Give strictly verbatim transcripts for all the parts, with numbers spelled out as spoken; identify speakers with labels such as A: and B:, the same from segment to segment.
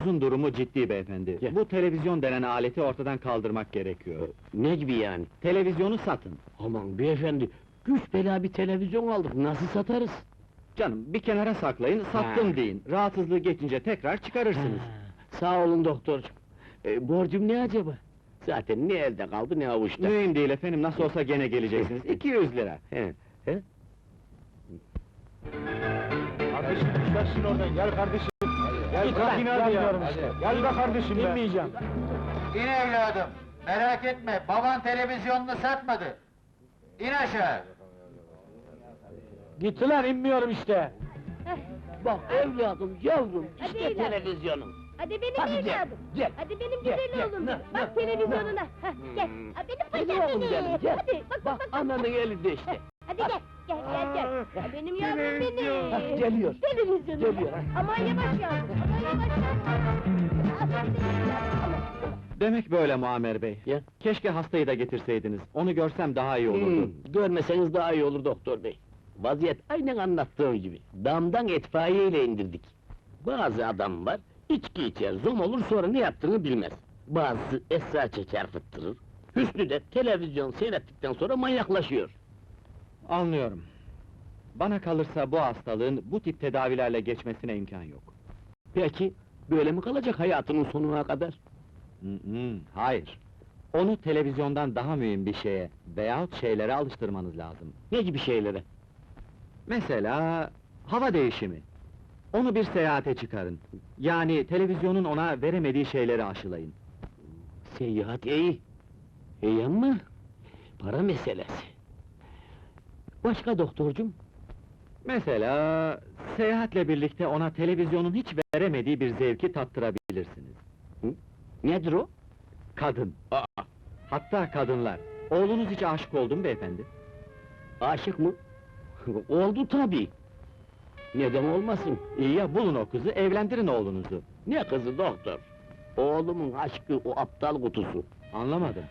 A: Oğlunuzun durumu ciddi beyefendi.
B: Ya.
A: Bu televizyon denen aleti ortadan kaldırmak gerekiyor.
B: Ne gibi yani?
A: Televizyonu satın.
B: Aman beyefendi, güç bela bir televizyon aldık, nasıl satarız?
A: Canım, bir kenara saklayın, sattım
B: Ha.
A: deyin. Rahatsızlığı geçince tekrar çıkarırsınız.
B: Ha, sağ olun doktorcuğum. E, borcum ne acaba? Zaten ne elde kaldı ne avuçta.
A: Mühim değil efendim, nasıl olsa gene geleceksiniz. iki yüz lira.
B: He, he?
C: Kardeşim düşersin oradan, gel kardeşim. Gel
B: Git
C: bırak
B: lan,
C: in hadi ya.
B: gelmiyorum işte.
C: Gel be kardeşim be.
B: İnmeyeceğim.
D: İn evladım, merak etme, baban televizyonunu satmadı. İn aşağı.
C: Gitti lan, inmiyorum işte.
B: Bak evladım, yavrum,
E: Hadi
B: işte
E: evladım.
B: televizyonum.
E: Hadi benim
B: Hadi gel,
E: evladım.
B: gel.
E: Hadi benim
B: Gel,
E: güzel
B: gel,
E: oğlum.
B: ne,
E: Bak
B: ne,
E: televizyonuna. Hah, gel.
B: Hmm.
E: Ha, benim
B: Hadi
E: paşam
B: oğlum
E: benim.
B: benim, gel.
E: Hadi bak bak
B: Bak,
E: bak.
B: ananın elinde işte.
E: Hadi gel. Gel gel gel. Ha, benim yavrum benim.
B: Ha, geliyor.
E: Televizyonuna.
B: Geliyor, ha.
E: Aman yavaş yavrum. Aman yavaş yavrum. Aferin evladım.
A: Demek böyle Muammer bey.
B: Ya.
A: Keşke hastayı da getirseydiniz. Onu görsem daha iyi olurdu.
B: Hmm, görmeseniz daha iyi olur doktor bey. Vaziyet aynen anlattığım gibi. Damdan itfaiye ile indirdik. Bazı adam var, içki içer, zom olur sonra ne yaptığını bilmez. Bazısı esrar çeker fıttırır. Hüsnü de televizyon seyrettikten sonra manyaklaşıyor.
A: Anlıyorum. Bana kalırsa bu hastalığın bu tip tedavilerle geçmesine imkan yok.
B: Peki, böyle mi kalacak hayatının sonuna kadar?
A: Hı hı, hayır. Onu televizyondan daha mühim bir şeye veyahut şeylere alıştırmanız lazım.
B: Ne gibi şeylere?
A: Mesela hava değişimi. Onu bir seyahate çıkarın. Yani televizyonun ona veremediği şeyleri aşılayın.
B: Seyahat iyi. İyi ama para meselesi. Başka doktorcum?
A: Mesela seyahatle birlikte ona televizyonun hiç veremediği bir zevki tattırabilirsiniz.
B: Nedir o?
A: Kadın.
B: Aa,
A: Hatta kadınlar. Oğlunuz hiç aşık oldu mu beyefendi?
B: aşık mı? Oldu tabii. Neden olmasın?
A: İyi ya, bulun o kızı, evlendirin oğlunuzu.
B: Ne kızı doktor? Oğlumun aşkı o aptal kutusu.
A: Anlamadım.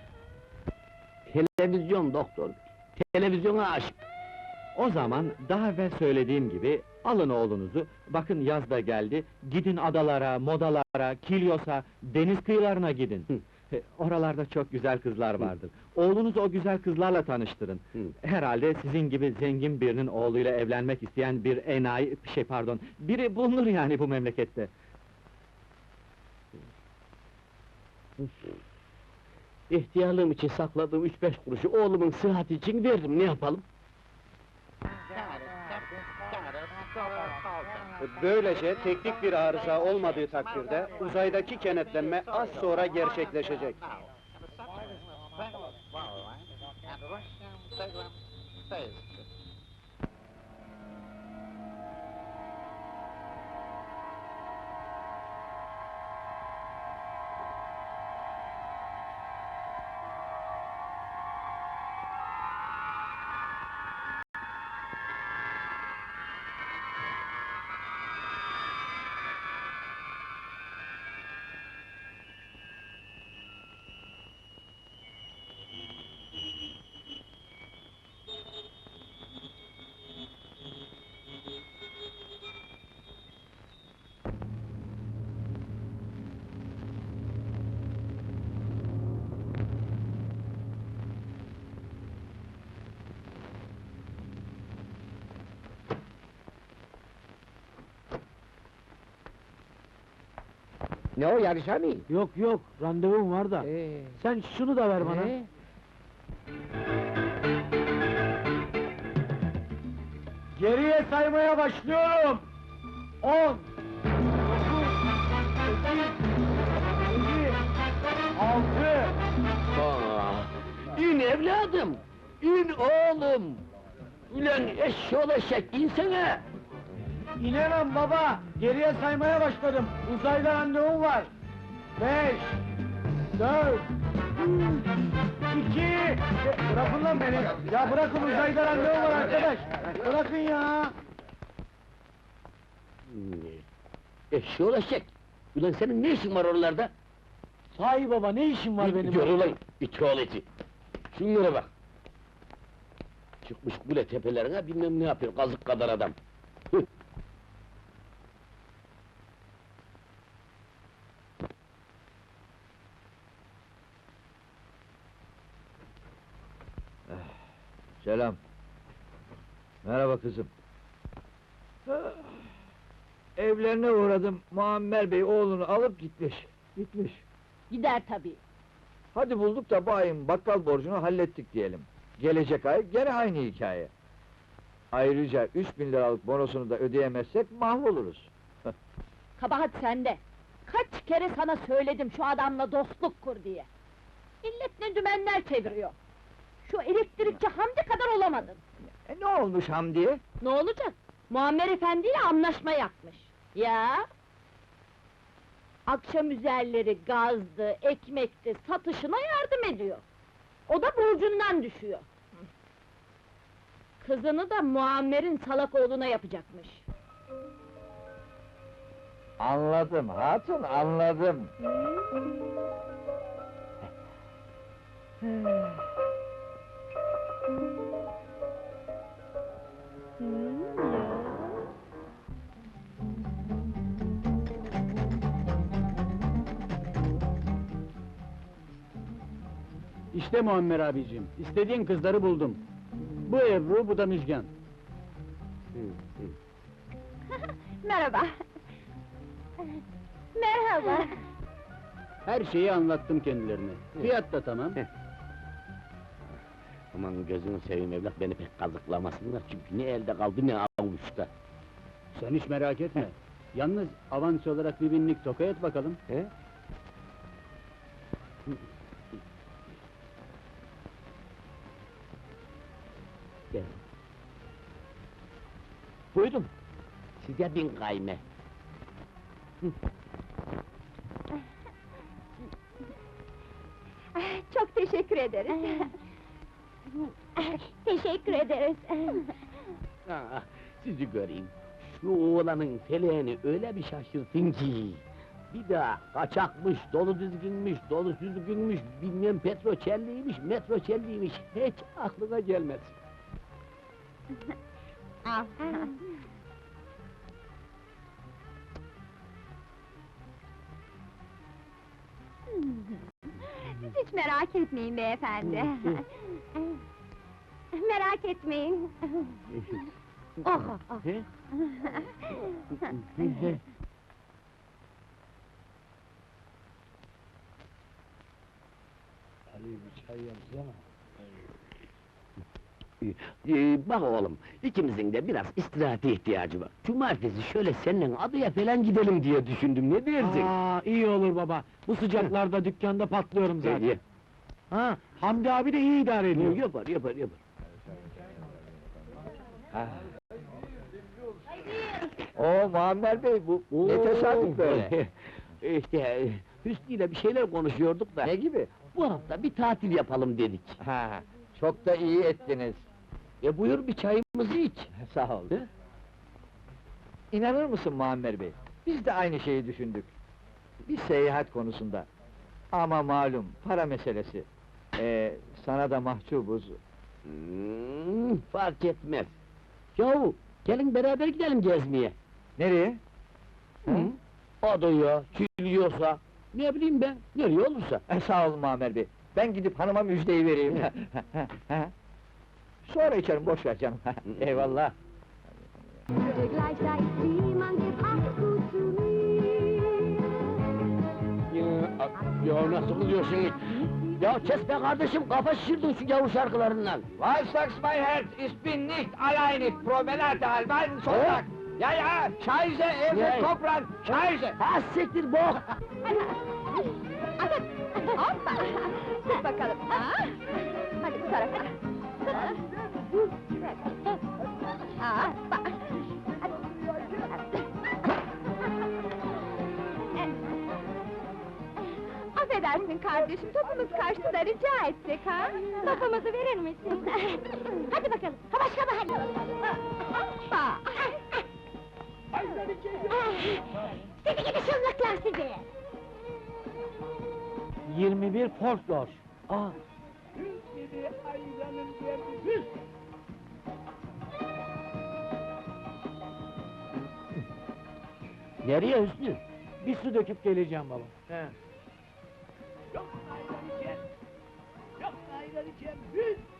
B: Televizyon doktor. Televizyona aşık.
A: O zaman daha evvel söylediğim gibi alın oğlunuzu, bakın yaz da geldi, gidin adalara, modalara, Kilyos'a, deniz kıyılarına gidin.
B: Hı.
A: E, Oralarda çok güzel kızlar vardır. Oğlunuzu o güzel kızlarla tanıştırın.
B: Hı.
A: Herhalde sizin gibi zengin birinin oğluyla evlenmek isteyen bir enayi, şey pardon, biri bulunur yani bu memlekette.
B: İhtiyarlığım için sakladığım üç beş kuruşu oğlumun sıhhati için verdim, ne yapalım?
F: Böylece teknik bir arıza olmadığı takdirde uzaydaki kenetlenme az sonra gerçekleşecek.
B: Ne o, yarışa mı?
C: Yok yok, randevum var da.
B: Ee,
C: Sen şunu da ver bana.
B: ee?
C: Geriye saymaya başlıyorum. On, dokuz, sekiz, yedi, altı.
B: Aa, in evladım! İn oğlum! Ulan eşşoğlu eşek, insene!
C: İnemem baba, geriye saymaya başladım. Uzayda randevum var. Beş, dört, üç, iki... E, Bırakın lan beni! Ya bırakın, uzayda randevum var arkadaş! Bırakın ya!
B: Eşşoğlu eşek! Ulan senin ne işin var oralarda?
C: Sahi baba, ne işin var benim?
B: Gör ulan, iti oğlu iti! Şunlara bak! Çıkmış kule tepelerine bilmem ne yapıyor, kazık kadar adam! Hıh!
G: Selam. Merhaba kızım. Evlerine uğradım, Muammer Bey oğlunu alıp gitmiş. Gitmiş.
E: Gider tabii.
G: Hadi bulduk da bayım, bakkal borcunu hallettik diyelim. Gelecek ay gene aynı hikaye. Ayrıca üç bin liralık bonosunu da ödeyemezsek mahvoluruz.
E: Kabahat sende. Kaç kere sana söyledim şu adamla dostluk kur diye. Millet ne dümenler çeviriyor. Şu elektrikçi Hamdi kadar olamadın.
G: E ne olmuş Hamdi'ye?
E: Ne olacak? Muammer Efendi ile anlaşma yapmış. Ya? Akşam üzerleri gazdı, ekmekti, satışına yardım ediyor. O da borcundan düşüyor. Kızını da Muammer'in salak oğluna yapacakmış.
G: Anladım hatun, anladım.
F: İşte Muammer abicim, istediğin kızları buldum. Bu Ebru, bu da Müjgan.
E: Merhaba. Merhaba.
F: Her şeyi anlattım kendilerine. Fiyat da tamam.
B: Aman gözünü seveyim evlat, beni pek kazıklamasınlar çünkü ne elde kaldı ne avuçta.
F: Sen hiç merak etme. Yalnız avans olarak bir binlik toka et bakalım.
B: He? Gel. Buyurun. Size bin kayme.
E: Çok teşekkür ederiz. Teşekkür ederiz.
B: Ah, sizi göreyim. Şu oğlanın feleğini öyle bir şaşırtın ki... Bir daha kaçakmış, dolu düzgünmüş, dolu düzgünmüş, bilmem petroçelliymiş, metroçelliymiş, hiç aklına gelmez.
E: Al. Siz hiç merak etmeyin beyefendi. Merak etmeyin. Oh, oh.
B: He? Ee, bak oğlum, ikimizin de biraz istirahate ihtiyacı var. Cumartesi şöyle seninle adaya falan gidelim diye düşündüm, ne dersin?
A: Aa, iyi olur baba. Bu sıcaklarda dükkanda patlıyorum
B: Ee,
A: zaten.
B: ye.
A: Ha, Hamdi abi de iyi idare ediyor.
B: Yapar, yapar, yapar.
G: Oo Muammer Bey, bu ne tesadüf böyle?
B: İşte, Hüsnü ile bir şeyler konuşuyorduk da...
G: Ne gibi?
B: Bu hafta bir tatil yapalım dedik.
G: Ha, çok da iyi ettiniz.
B: E buyur bir çayımızı iç.
G: Sağ ol.
B: He?
G: İnanır mısın Muammer Bey? Biz de aynı şeyi düşündük. Bir seyahat konusunda. Ama malum, para meselesi. Ee, sana da mahcubuz.
B: Hmm, fark etmez. Yahu, gelin beraber gidelim gezmeye.
G: Nereye?
B: Hı? Adaya, Kilyos'a, ne bileyim ben, nereye olursa.
G: E, sağ ol Muammer Bey. Ben gidip hanıma müjdeyi vereyim. Sonra içerim, boş ver canım. Eyvallah.
E: Gleich da ist wie man gibt Acht gut zu mir.
B: Ya, ya nasıl kılıyorsun? Ya kes be kardeşim, kafa şişirdin şu gavur şarkılarından.
G: Was sagst mein Herz? Ich bin nicht allein, ich promenade halben Sonntag. Ja, ja, Scheiße,
B: Ja.
G: Erde, Kopran, Scheiße!
B: Ha siktir bok!
E: Hadi, hoppa! Tut bakalım, ha? Hadi bu tarafa. Aa, bak! Affedersin kardeşim, topumuz kaçtı da rica etsek ha? Topumuzu verir misin? Hadi bakalım, ha başka mı hadi? Hoppa! Sizi gidi şıllıklar sizi!
A: yirmi bir folklor. Aa,
B: Nereye Hüsnü?
A: bir su döküp geleceğim baba.
B: He.
C: Yok ayran içer, yok ayran içer, hüs!